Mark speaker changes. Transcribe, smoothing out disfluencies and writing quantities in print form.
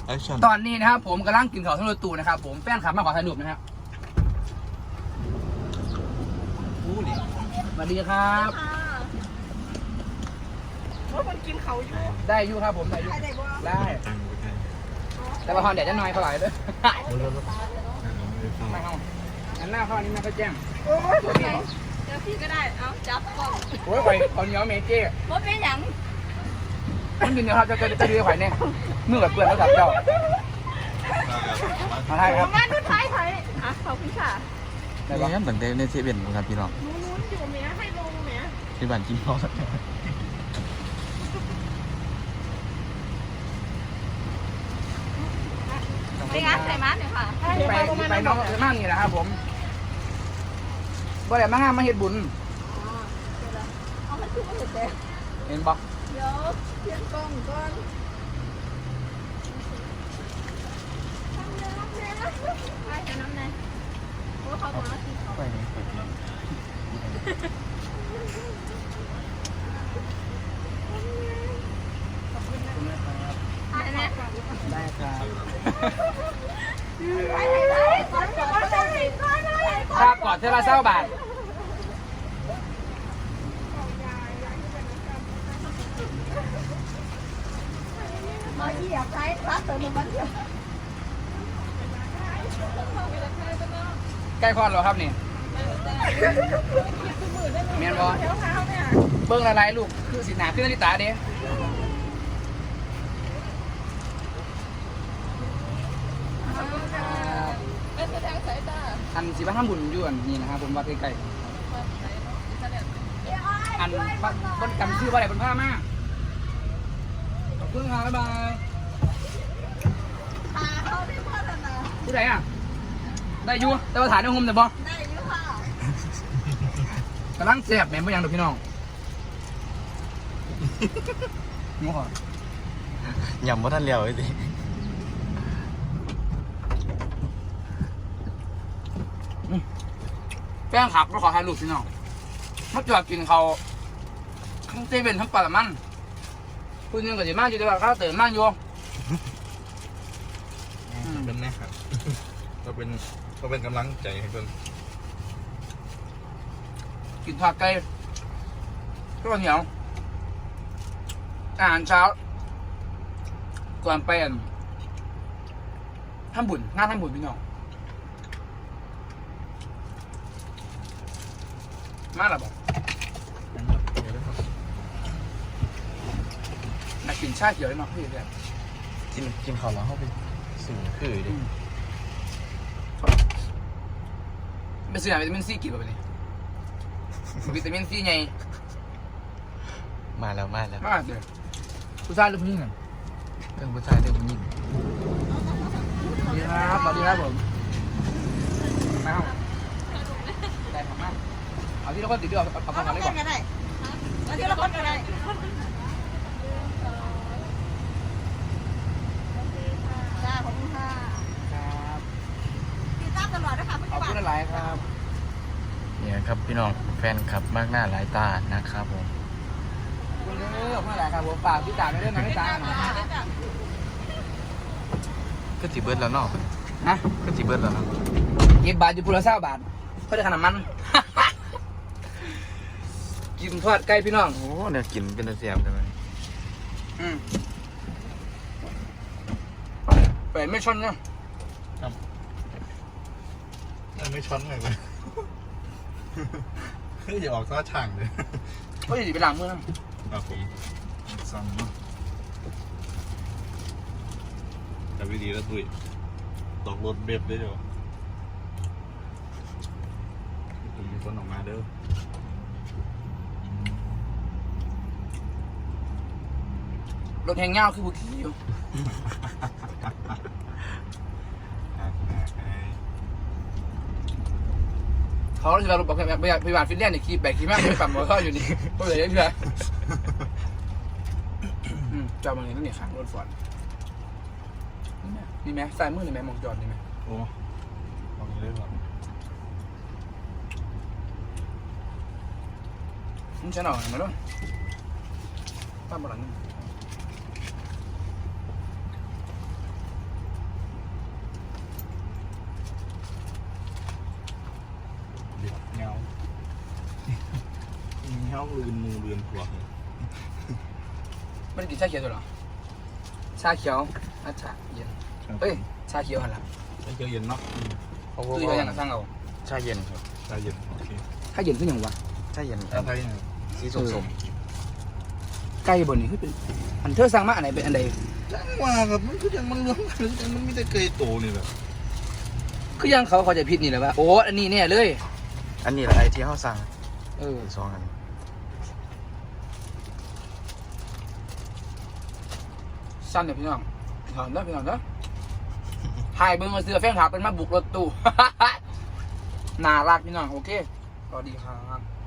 Speaker 1: ตอนนี้นะครับผมกำลังกินข้าวทั้งรถตู้นะครับผมแฟนขับมาขอถ่ายรูปนะครับสวัสดีครับ
Speaker 2: ว่าคนกินเขาอยู่
Speaker 1: ได้อยู่ครับผมได้อยู่ได้แต่ว่าพอเดี๋ยวจะน้อยเท่าไหร่ด้วยไม่เอาอันหน้าเข้านี้ไม่ค่อยแจ้ง
Speaker 2: โอ้ยเดี๋ยวพี่ก็ได้เอาจับก่อน
Speaker 1: โอ้ยไข่ตอนนี้เอาเมเจ้
Speaker 2: ว่าเป็นอย่าง
Speaker 1: มันกินเดี๋ยวครับจะดีไข่เนี่ยเมื่อแบบเปื่อนแล้วจับเจ้ามาไทยครับ
Speaker 2: มาดูไทยอ่ะขอบคุณค่ะ
Speaker 3: นี่เหมือนเดิมในเซเว่นครับพี่น้อง
Speaker 2: นู้นอยู่เมียให้ลงเมีย
Speaker 3: ที่บ้านกินข้าว
Speaker 2: ไปงานใส่มันเดี๋ยวค่ะ
Speaker 1: ไปน้องมากนี่แหละครับผมบ่ได้มางานมาเฮ็ดบุญ
Speaker 2: เอามันคือเห็นแต่
Speaker 1: เห็นบ่
Speaker 2: เดี๋ยวเพียงกล้องก่อนไปจะน้ำไหนโอ้เขาบอกว่ากินเขา
Speaker 3: ไปไหนไปไหน
Speaker 1: ได้ครับครับก่อนเท่าไรเศร้าบาท
Speaker 2: มาเหยียบใช้รัดตัวหนึ่งมันเดียว
Speaker 1: ใกล้คลอดแล้วครับนี่เมียนบอเบิ้งอะไรลูกคือสีหนาขึ้นนาฬิตาเด้อันสีบ้านทำบุญอยู่อันนี้นะครับผมวัดใกล้ๆอันบนกำชื่อว่าอะไรบนผ้ามากขอบคุณครับบ๊ายบายผู้ใดอ่ะได้อยู่แต่ว่าถ่ายในห้องแต่บอ
Speaker 2: ได้อยู่ค่ะ
Speaker 1: กำลังแซ่บแม่ไม่ยังดูพี่น้องงูขอย
Speaker 3: ำว่าท่านเลี้ยวไอ้ดิ
Speaker 1: แป้งขับก็ขอถ่ายรูปพี่น้องมาจอดกินเขาทั้งเซเว่นทั้งปลามันคุณยังกับจีมากอยู่แต่ว่าข้าวเติมมากอยู่
Speaker 3: เป็นแน่ครับก็เป็นกำลังใจให้เพื่อน
Speaker 1: กินผักไก่ก็เหนียวอาหารเช้าก่อนไปทำบุญงานทำบุญพี่น้องมาหรอบอกนักกินชาเขียวเลยเนาะพี่เนี่ย
Speaker 3: กินข้าวแล้วเข้าไปสูงคือดิ
Speaker 1: ไปซื้อวิตามินซีกี่แบบนี้วิตามินซีไง
Speaker 3: มาแล้ว
Speaker 1: มาเดี๋ยวผู้ชายหรือผู้หญิงอ่ะ
Speaker 3: เรื่องผู้ชายเรื่องผู้หญิง
Speaker 1: สวัสดีครับสวัสดีครับผมมาเอาได้ของมากเอาที่เราก็ติดด้วยเอาของอะไรก่อน
Speaker 2: เอาที่เราคนกันได้จ้าขอบคุณค่ะ
Speaker 1: ครับ
Speaker 2: ติดตามตลอดนะคะ
Speaker 1: ขอบคุณหลายครับ
Speaker 3: เนี่ยครับพี่น้องแฟนคลับมากหน้าหลายตานะครับผม
Speaker 1: คุณเลือกเมื่อไหร่ครับผมฝากพี่ตาไม่ได้นะพี่ตา
Speaker 3: ก็จีเบิร์ดแล้วเนาะ
Speaker 1: ฮะ
Speaker 3: ก็จีเบิร์ดแล้วเนาะ
Speaker 1: 10 บาทอยู่พูละ20 บาทเพื่อได้ขนาดมันกินทอดไก่พี่น้อง
Speaker 3: โอ้เนี่ยกินเป็นเสียบได้ไหม
Speaker 1: เปิดไม่ชนเนาะ
Speaker 3: ไม่ช้อนเลยมั้ยคืออย่าออกซะช่างเลย
Speaker 1: ก็อย่าไปล้างมือ
Speaker 3: นะครับผมสั่งเนาะแต่วิธีแล้วตุ้ยตกรถเบ็บได้เดี๋ยวผมมีคนออกมาเด้อ
Speaker 1: รถแหงเงาคือบุกี้อยู่เขาจะเราบอกแบบพยาบาลฟินแลนด์เนี่ยขี่แบกขี่มากเลยปั่นมอเตอร์ไซค์อยู่นี่ก็เลยยังไงจอดมันนี่นั่นนี่ขังรถฟอร์ดนี่ไหมสายมือนี่ไหมมองจอดนี่ไหม
Speaker 3: โอ้มองเรื่องหรอ
Speaker 1: มันจะหน่อยมาด้วยป้าบอลนี่
Speaker 4: น้องลืนมือลืนหัว
Speaker 1: ไม่ได้กินชาเขียวตัวหรอชาเขียวอาชาเย็นเอ้ยชาเขียวหันหลัง
Speaker 4: ใช้เกลือเย็นเนาะ
Speaker 1: ซื้อยังกับสั่งเอา
Speaker 3: ชาเย็นครับ
Speaker 4: ชาเย็นโอเค
Speaker 1: ถ้าเย็นขึ้นอย่างวะ
Speaker 3: ชาเย็นค
Speaker 4: แล้
Speaker 3: รั
Speaker 4: ว
Speaker 3: บ
Speaker 4: ไทยเนี่ย
Speaker 3: สีส้ม
Speaker 1: ไก่บนนี่คือเป็นอันเธอสั่งมาอันไหนเป็นอันใด
Speaker 4: จังว่าครับมันคือยังมันรวมกันหรือยังมันมีแต่เกยโตนี่แหละ
Speaker 1: คือยังเขาจะผิดนี่แหละว่าโอ้อันนี้เนี่ยเลย
Speaker 3: ๆอันนี้แหละไอที่เขาสั่ง
Speaker 1: เออ
Speaker 3: สองอัน
Speaker 1: สั้นเนี่ยพี่น้องถอนนะพี่น้องนะถ่ายเบิ้งมาเสือแฟนถาเป็นมาบุกรถตู้ น่ารักพี่น้องโอเคสวัสดีครับ